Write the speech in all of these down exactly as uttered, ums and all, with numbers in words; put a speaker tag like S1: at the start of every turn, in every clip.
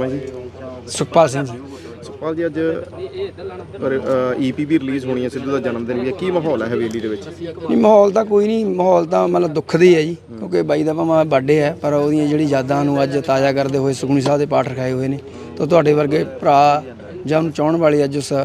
S1: है जी?
S2: सुखपाल सिंह जी।
S1: सुखपाल जी, अज ई पी भी रिलीज़ होनी है, सिद्धू का जन्मदिन भी है, की माहौल है हवेली ਦੇ ਵਿੱਚ?
S2: ਨਹੀਂ ਮਾਹੌਲ ਤਾਂ ਕੋਈ ਨਹੀਂ, ਮਾਹੌਲ ਤਾਂ ਮਤਲਬ ਦੁੱਖ ਦੀ ਹੈ ਜੀ, ਕਿਉਂਕਿ ਬਾਈ ਦਾ ਭਾਵੇਂ ਬਰਥਡੇ ਹੈ ਪਰ ਉਹਦੀਆਂ ਜਿਹੜੀ ਯਾਦਾਂ ਨੂੰ ਅੱਜ ਤਾਜ਼ਾ ਕਰਦੇ ਹੋਏ ਸੁਖਮਨੀ ਸਾਹਿਬ ਦੇ ਪਾਠ ਰਖਾਏ ਹੋਏ ਨੇ, ਤਾਂ ਤੁਹਾਡੇ ਵਰਗੇ ਭਰਾ ਜਾਂ ਉਹਨੂੰ ਚਾਹਣ ਵਾਲੇ ਅੱਜ ਉਸ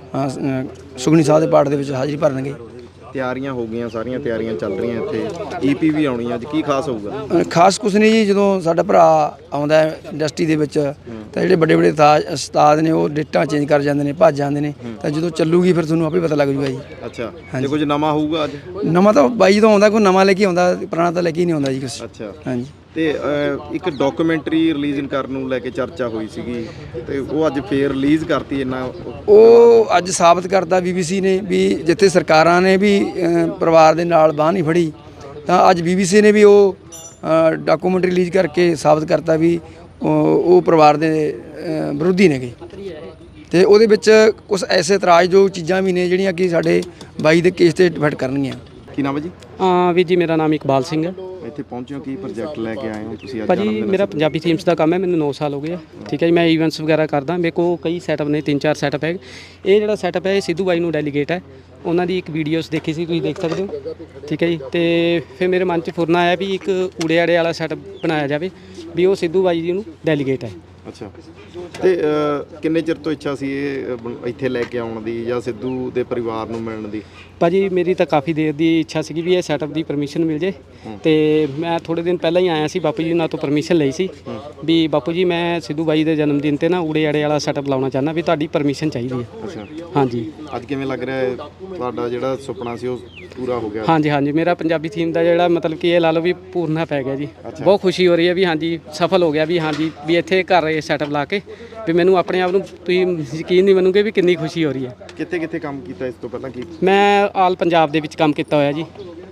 S2: ਸੁਖਮਨੀ ਸਾਹਿਬ ਦੇ ਪਾਠ ਦੇ ਵਿੱਚ ਹਾਜ਼ਰੀ ਭਰਨਗੇ।
S1: ਤਿਆਰੀਆਂ ਹੋ ਗਈਆਂ, ਸਾਰੀਆਂ ਤਿਆਰੀਆਂ ਚੱਲ ਰਹੀਆਂ, ਇੱਥੇ ਈ ਪੀ ਵੀ ਆਉਣੀ ਅੱਜ, ਕੀ ਖਾਸ ਹੋਊਗਾ?
S2: ਖਾਸ ਕੁਛ ਨਹੀਂ ਜੀ, ਜਦੋਂ ਸਾਡਾ ਭਰਾ ਆਉਂਦਾ ਇੰਡਸਟਰੀ ਦੇ ਵਿੱਚ ਤਾਂ ਜਿਹੜੇ ਵੱਡੇ ਵੱਡੇ ਤਾਜ ਉਸਤਾਦ ਨੇ ਉਹ ਡੇਟਾਂ ਚੇਂਜ ਕਰ ਜਾਂਦੇ ਨੇ, ਭੱਜ ਜਾਂਦੇ ਨੇ, ਤਾਂ ਜਦੋਂ ਚੱਲੂਗੀ ਫਿਰ ਤੁਹਾਨੂੰ ਆਪੇ ਪਤਾ ਲੱਗ ਜੂਗਾ ਜੀ।
S1: ਅੱਛਾ, ਜੇ ਕੁਝ ਨਵਾਂ ਹੋਊਗਾ ਅੱਜ?
S2: ਨਵਾਂ ਤਾਂ ਬਾਈ ਜਦੋਂ ਆਉਂਦਾ ਕੋਈ ਨਵਾਂ ਲੈ ਕੇ ਆਉਂਦਾ, ਪੁਰਾਣਾ ਤਾਂ ਲੈ ਕੇ ਹੀ ਨਹੀਂ ਆਉਂਦਾ ਜੀ ਕੁਛ।
S1: ਅੱਛਾ,
S2: ਹਾਂਜੀ।
S1: ਤੇ ਇੱਕ ਡਾਕੂਮੈਂਟਰੀ ਰਿਲੀਜ਼ ਕਰਨ ਨੂੰ ਲੈ ਕੇ ਚਰਚਾ ਹੋਈ ਸੀਗੀ, ਤੇ ਉਹ ਅੱਜ ਫੇਰ ਰਿਲੀਜ਼ ਕਰਤੀ। ਇੰਨਾ
S2: ਉਹ ਅੱਜ ਸਾਬਤ ਕਰਤਾ ਬੀ ਬੀ ਸੀ ਨੇ ਵੀ ਜਿੱਥੇ ਸਰਕਾਰਾਂ ਨੇ ਵੀ ਪਰਿਵਾਰ ਦੇ ਨਾਲ ਬਾਂਹ ਨਹੀਂ ਫੜੀ, ਤਾਂ ਅੱਜ ਬੀ ਬੀ ਸੀ ਨੇ ਵੀ ਉਹ ਡਾਕੂਮੈਂਟਰੀ ਰਿਲੀਜ਼ ਕਰਕੇ ਸਾਬਤ ਕਰਤਾ ਵੀ ਉਹ ਪਰਿਵਾਰ ਦੇ ਵਿਰੋਧੀ ਨੇਗੇ। ਤੇ ਉਹਦੇ ਵਿੱਚ ਕੁਝ ਐਸੇ ਇਤਰਾਜ਼ਯੋਗ ਚੀਜ਼ਾਂ ਵੀ ਨੇ ਜਿਹੜੀਆਂ ਕਿ ਸਾਡੇ ਬਾਈ ਦੇ ਕੇਸ ਤੇ ਡਿਫੈਕਟ ਕਰਨਗੀਆਂ।
S1: ਕੀ ਨਾਮ ਹੈ ਜੀ?
S3: ਹਾਂ ਵੀਰ ਜੀ, ਮੇਰਾ ਨਾਮ ਇਕਬਾਲ ਸਿੰਘ ਹੈ।
S1: ਇੱਥੇ ਪਹੁੰਚੇ ਹੋ, ਕੀ ਪ੍ਰੋਜੈਕਟ ਲੈ ਕੇ ਆਏ ਹੋ ਤੁਸੀਂ ਅੱਜ?
S3: ਭਾਜੀ ਮੇਰਾ ਪੰਜਾਬੀ ਥੀਮਸ ਦਾ ਕੰਮ ਹੈ, ਮੈਨੂੰ ਨੌ ਸਾਲ ਹੋ ਗਏ ਆ। ਠੀਕ ਹੈ ਜੀ, ਮੈਂ ਈਵੈਂਟਸ ਵਗੈਰਾ ਕਰਦਾ, ਮੇਰੇ ਕੋਲ ਕਈ ਸੈਟਅਪ ਨੇ, ਤਿੰਨ ਚਾਰ ਸੈਟਅਪ ਹੈ। ਇਹ ਜਿਹੜਾ ਸੈਟਅਪ ਹੈ ਇਹ ਸਿੱਧੂ ਬਾਈ ਨੂੰ ਡੈਲੀਗੇਟ ਹੈ, ਉਹਨਾਂ ਦੀ ਇੱਕ ਵੀਡੀਓਸ ਦੇਖੀ ਸੀ, ਤੁਸੀਂ ਦੇਖ ਸਕਦੇ ਹੋ। ਠੀਕ ਹੈ ਜੀ, ਤੇ ਫਿਰ ਮੇਰੇ ਮਨ 'ਚ ਫੁਰਨਾ ਆਇਆ ਵੀ ਇੱਕ ਊੜੇ ਆੜੇ ਵਾਲਾ ਸੈਟਅਪ ਬਣਾਇਆ ਜਾਵੇ ਵੀ ਉਹ ਸਿੱਧੂ ਬਾਈ ਜੀ ਨੂੰ ਡੈਲੀਗੇਟ ਹੈ।
S1: ਅੱਛਾ, ਤੇ ਕਿੰਨੇ ਚਿਰ ਤੋਂ ਇੱਛਾ ਸੀ ਇਹ ਇੱਥੇ ਲੈ ਕੇ ਆਉਣ ਦੀ ਜਾਂ ਸਿੱਧੂ ਦੇ ਪਰਿਵਾਰ ਨੂੰ ਮਿਲਣ ਦੀ?
S3: ਭਾਜੀ ਮੇਰੀ ਤਾਂ ਕਾਫੀ ਦੇਰ ਦੀ ਇੱਛਾ ਸੀਗੀ ਵੀ ਇਹ ਸੈਟਅਪ ਦੀ ਪਰਮਿਸ਼ਨ ਮਿਲ ਜੇ, ਤੇ ਮੈਂ ਥੋੜ੍ਹੇ ਦਿਨ ਪਹਿਲਾਂ ਹੀ ਆਇਆ ਸੀ, ਬਾਪੂ ਜੀ ਨਾਲ ਤੋਂ ਪਰਮਿਸ਼ਨ ਲਈ ਸੀ ਵੀ ਬਾਪੂ ਜੀ ਮੈਂ ਸਿੱਧੂ ਬਾਈ ਦੇ ਜਨਮ ਦਿਨ 'ਤੇ ਨਾ ਊੜੇ ਆੜੇ ਵਾਲਾ ਸੈਟਅਪ ਲਾਉਣਾ ਚਾਹੁੰਦਾ, ਵੀ ਤੁਹਾਡੀ ਪਰਮਿਸ਼ਨ ਚਾਹੀਦੀ ਹੈ।
S1: ਅੱਛਾ,
S3: ਹਾਂਜੀ।
S1: ਅੱਜ ਕਿਵੇਂ ਲੱਗ ਰਿਹਾ ਹੈ ਤੁਹਾਡਾ ਜਿਹੜਾ ਸੁਪਨਾ ਸੀ ਉਹ ਪੂਰਾ ਹੋ ਗਿਆ?
S3: ਹਾਂਜੀ ਹਾਂਜੀ, ਮੇਰਾ ਪੰਜਾਬੀ ਥੀਮ ਦਾ ਜਿਹੜਾ ਮਤਲਬ ਕਿ ਇਹ ਲਾ ਲਓ ਵੀ ਪੂਰਨਾ ਪੈ ਗਿਆ ਜੀ। ਬਹੁਤ ਖੁਸ਼ੀ ਹੋ ਰਹੀ ਹੈ ਵੀ ਹਾਂਜੀ ਸਫਲ ਹੋ ਗਿਆ, ਵੀ ਹਾਂਜੀ ਵੀ ਇੱਥੇ ਘਰ ਇਹ ਸੈਟਅਪ ਲਾ ਕੇ ਵੀ ਮੈਨੂੰ ਆਪਣੇ ਆਪ ਨੂੰ ਤੁਸੀਂ ਯਕੀਨ ਨਹੀਂ ਮੰਨੋਗੇ ਵੀ ਕਿੰਨੀ ਖੁਸ਼ੀ ਹੋ ਰਹੀ ਹੈ।
S1: ਕਿੱਥੇ ਕਿੱਥੇ ਕੰਮ ਕੀਤਾ ਇਸ ਤੋਂ ਪਹਿਲਾਂ? ਕੀ
S3: ਮੈਂ ਆਲ ਪੰਜਾਬ ਦੇ ਵਿੱਚ ਕੰਮ ਕੀਤਾ ਹੋਇਆ ਜੀ,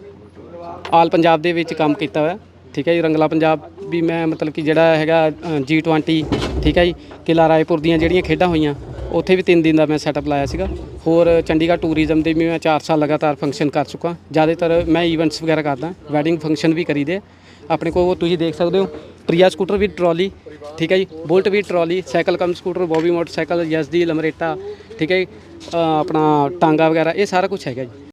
S3: ਆਲ ਪੰਜਾਬ ਦੇ ਵਿੱਚ ਕੰਮ ਕੀਤਾ ਹੋਇਆ। ਠੀਕ ਹੈ ਜੀ, ਰੰਗਲਾ ਪੰਜਾਬ ਵੀ ਮੈਂ ਮਤਲਬ ਕਿ ਜਿਹੜਾ ਹੈਗਾ ਜੀ ਟਵੈਂਟੀ, ਠੀਕ ਹੈ ਜੀ, ਕਿਲ੍ਹਾ ਰਾਏਪੁਰ ਦੀਆਂ ਜਿਹੜੀਆਂ ਖੇਡਾਂ ਹੋਈਆਂ ਉੱਥੇ ਵੀ ਤਿੰਨ ਦਿਨ ਦਾ ਮੈਂ ਸੈਟਅਪ ਲਾਇਆ ਸੀਗਾ। ਹੋਰ ਚੰਡੀਗੜ੍ਹ ਟੂਰਿਜ਼ਮ ਦੇ ਵੀ ਮੈਂ ਚਾਰ ਸਾਲ ਲਗਾਤਾਰ ਫੰਕਸ਼ਨ ਕਰ ਚੁੱਕਾ। ਜ਼ਿਆਦਾਤਰ ਮੈਂ ਈਵੈਂਟਸ ਵਗੈਰਾ ਕਰਦਾ, ਵੈਡਿੰਗ ਫੰਕਸ਼ਨ ਵੀ ਕਰੀਦੇ ਆਪਣੇ ਕੋਲ। ਤੁਸੀਂ ਦੇਖ ਸਕਦੇ ਹੋ ਪ੍ਰਿਆ ਸਕੂਟਰ ਵੀ ਟਰਾਲੀ, ਠੀਕ ਹੈ ਜੀ, ਬੁਲਟ ਵੀ trolley, cycle cum scooter, Bobby motorcycle, Yezdi Lambretta, ਠੀਕ ਹੈ ਜੀ, ਆਪਣਾ ਟਾਂਗਾ ਵਗੈਰਾ, ਇਹ ਸਾਰਾ ਕੁਛ ਹੈਗਾ ਜੀ।